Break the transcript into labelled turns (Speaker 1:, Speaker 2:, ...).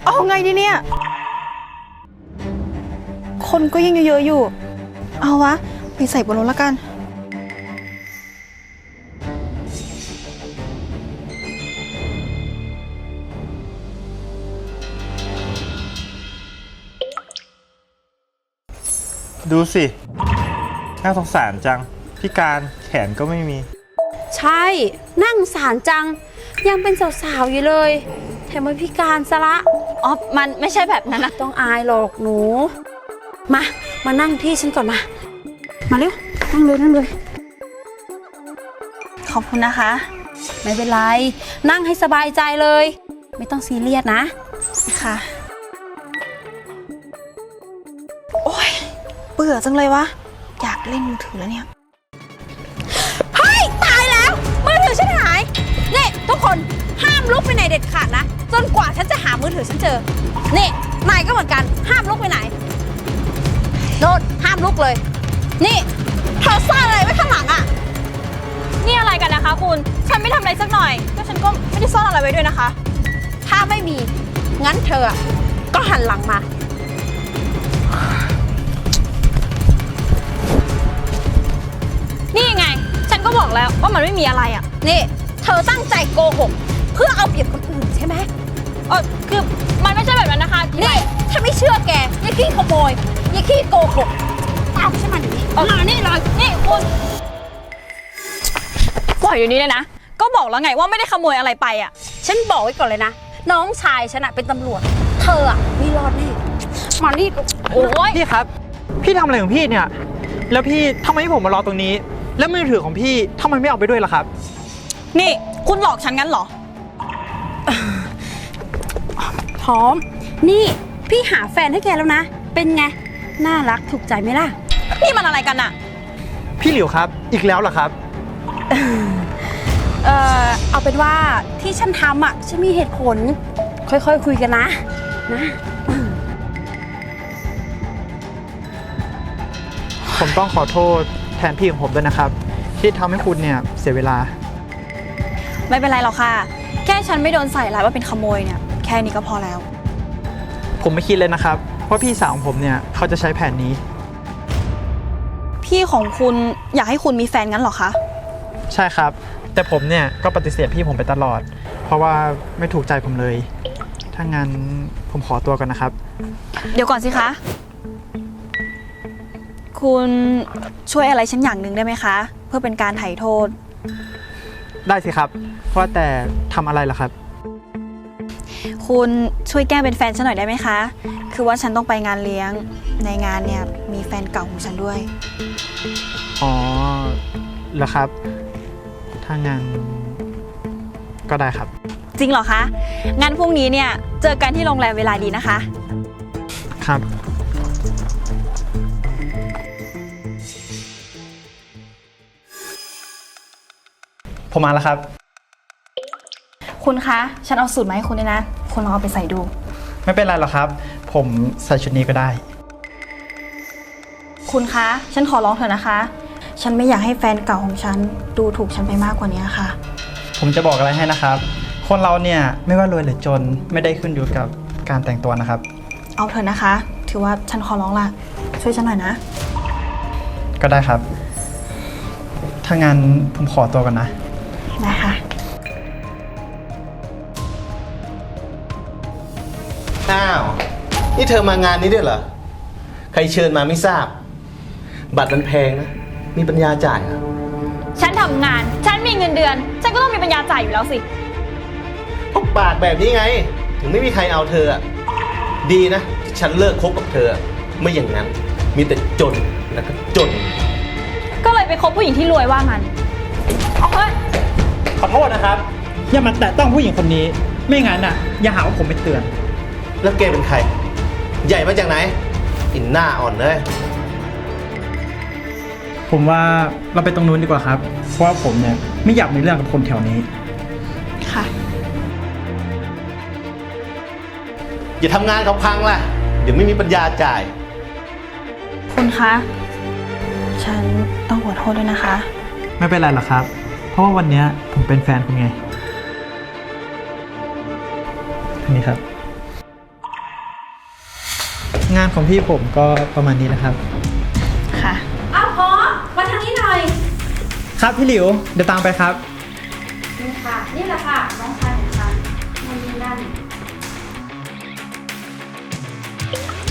Speaker 1: เอาไงดีเนี่ยคนก็ยังเยอะๆอยู่เอาวะไปใส่บนรถละกัน
Speaker 2: ดูสิน่าสงสารจังพิการแขนก็ไม่มี
Speaker 3: ใช่นั่งสารจังยังเป็นสาวๆอยู่เลยแถมมันพิการซะละ
Speaker 1: อ๋อมันไม่ใช่แบบนั้นนะ
Speaker 3: ต้องอายหรอกหนูมานั่งที่ฉันก่อนมาเร็วนั่งเลย
Speaker 1: ขอบคุณนะคะ
Speaker 3: ไม่เป็นไรนั่งให้สบายใจเลยไม่ต้องซีเรียสนะ
Speaker 1: ค่ะโอ๊ยเบื่อจังเลยวะอยากเล่นมือถือแล้วเนี่ย
Speaker 3: เฮ้ยตายแล้วมือถือฉันหายนี่ทุกคนห้ามลุกไปไหนเด็ดขาดนะจนกว่าฉันจะหามือถือฉันเจอนี่นายก็เหมือนกันห้ามลุกไปไหนโน่นห้ามลุกเลยนี่เธอซ่อนอะไรไว้ข้างหลังอ่ะ
Speaker 1: นี่อะไรกันนะคะคุณฉันไม่ทำอะไรสักหน่อยก็ฉันก็ไม่ได้ซ่อนอะไรไว้ด้วยนะคะ
Speaker 3: ถ้าไม่มีงั้นเธอก็หันหลังมา
Speaker 1: นี่ไงฉันก็บอกแล้วว่ามันไม่มีอะไรอ่ะ
Speaker 3: นี่เธอตั้งใจโกหกเพื่อเอาเปรียบคนอื่นใช่ไหม
Speaker 1: คือมันไม่ใช่แบบนั้นนะคะ
Speaker 3: นี่ถ้าไม่เชื่อแกอย่าขี้ขโมยอย่าขี้โกหกตามฉันมาหนิมานี่เลย
Speaker 1: นี่คุณปล่อยอยู่นี้เลยนะก็บอกแล้วไงว่าไม่ได้ขโมยอะไรไปอ่ะ
Speaker 3: ฉันบอกไว้ก่อนเลยนะน้องชายฉันเป็นตำรวจเธอไม่รอดแน่มานี่
Speaker 1: โอ้ย
Speaker 2: พี่ครับพี่ทำอะไรของพี่เนี่ยแล้วพี่ทำไมให้ผมมารอตรงนี้แล้วมือถือของพี่ทำไมไม่เอาไปด้วยล่ะครับ
Speaker 1: นี่คุณหลอกฉันงั้นเหรอ
Speaker 3: พร้อมนี่พี่หาแฟนให้แกแล้วนะเป็นไงน่ารักถูกใจไหมล่ะ
Speaker 1: นี่มันอะไรกันอะ
Speaker 2: พี่หลิวครับอีกแล้วเหรอครับ
Speaker 3: เอาเป็นว่าที่ฉันทำฉันมีเหตุผลค่อยๆคุยกันนะ
Speaker 2: ผมต้องขอโทษแทนพี่ของผมด้วยนะครับที่ทำให้คุณเนี่ยเสียเวลา
Speaker 1: ไม่เป็นไรหรอกค่ะแค่ฉันไม่โดนใส่ร้ายว่าเป็นขโมยเนี่ยแค่นี้ก็พอแล้ว
Speaker 2: ผมไม่คิดเลยนะครับว่าพี่สาวของผมเนี่ยเขาจะใช้แผนนี้
Speaker 1: พี่ของคุณอยากให้คุณมีแฟนงั้นเหรอคะ
Speaker 2: ใช่ครับแต่ผมเนี่ยก็ปฏิเสธพี่ผมไปตลอดเพราะว่าไม่ถูกใจผมเลยถ้างั้นผมขอตัวก่อนนะครับ
Speaker 1: เดี๋ยวก่อนสิคะคุณช่วยอะไรฉันอย่างหนึ่งได้ไหมคะเพื่อเป็นการไถ่โทษ
Speaker 2: ได้สิครับว่าแต่ทำอะไรล่ะครับ
Speaker 1: คุณช่วยแก้เป็นแฟนฉันหน่อยได้ไหมคะคือว่าฉันต้องไปงานเลี้ยงในงานเนี่ยมีแฟนเก่าของฉันด้วย
Speaker 2: อ๋อเหรอครับถ้างั้นก็ได้ครับ
Speaker 1: จริงเหรอคะงั้นพรุ่งนี้เนี่ยเจอกันที่โรงแรมเวลาดีนะคะ
Speaker 2: ครับผมมาแล้วครับ
Speaker 1: คุณคะฉันเอาสูตรมาให้คุณด้วยนะคุณลองเอาไปใส่ดู
Speaker 2: ไม่เป็นไรหรอกครับผมใส่ชุดนี้ก็ได้
Speaker 1: คุณคะฉันขอร้องเถอะนะคะฉันไม่อยากให้แฟนเก่าของฉันดูถูกฉันไปมากกว่านี้ค่ะ
Speaker 2: ผมจะบอกอะไรให้นะครับคนเราเนี่ยไม่ว่ารวยหรือจนไม่ได้ขึ้นอยู่กับการแต่งตัวนะครับ
Speaker 1: เอาเถอะนะคะถือว่าฉันขอร้องละช่วยฉันหน่อยนะ
Speaker 2: ก็ได้ครับถ้างั้นผมขอตัวก่อนนะ
Speaker 1: ได้ค่ะ
Speaker 4: อ้าวนี่เธอมางานนี้ด้วยเหรอใครเชิญมาไม่ทราบบัตรมันแพงนะมีปัญญาจ่ายอ่ะ
Speaker 1: ฉันทำงานฉันมีเงินเดือนฉันก็ต้องมีปัญญาจ่ายอยู่แล้วสิ
Speaker 4: พวกปากแบบนี้ไงถึงไม่มีใครเอาเธอดีนะที่ฉันเลิกคบกับเธอไม่อย่างนั้นมีแต่จนแล้วก็จน
Speaker 1: ก็เลยไปคบผู้หญิงที่รวยว่างั้นเฮ้ย
Speaker 2: ขอโทษนะครับอย่ามาแตะต้องผู้หญิงคนนี้ไม่งั้นอย่าหาว่าผมไปเตือน
Speaker 4: แล้วแกเป็นใครใหญ่มาจากไหนอินหน้าอ่อนเลย
Speaker 2: ผมว่าเราไปตรงนู้นดีกว่าครับเพราะว่าผมเนี่ยไม่อยากมีเรื่องกับคนแถวนี้
Speaker 1: ค่ะ
Speaker 4: อย่าทำงานเขาพังล่ะเดี๋ยวไม่มีปัญญาจ่าย
Speaker 1: คุณคะฉันต้องขอโทษด้วยนะคะ
Speaker 2: ไม่เป็นไรหรอกครับเพราะว่าวันนี้ผมเป็นแฟนคุณไงอันนี้ครับงานของพี่ผมก็ประมาณนี้แหละครับ
Speaker 1: ค่ะ
Speaker 3: อ้าวพร้อมมาทางนี้หน่อย
Speaker 2: ครับพี่หลิว เดี๋ยวตามไปครับ
Speaker 3: นี่ค่ะ นี่แหละค่ะ น้องชายของฉันนู่นนี่นั่น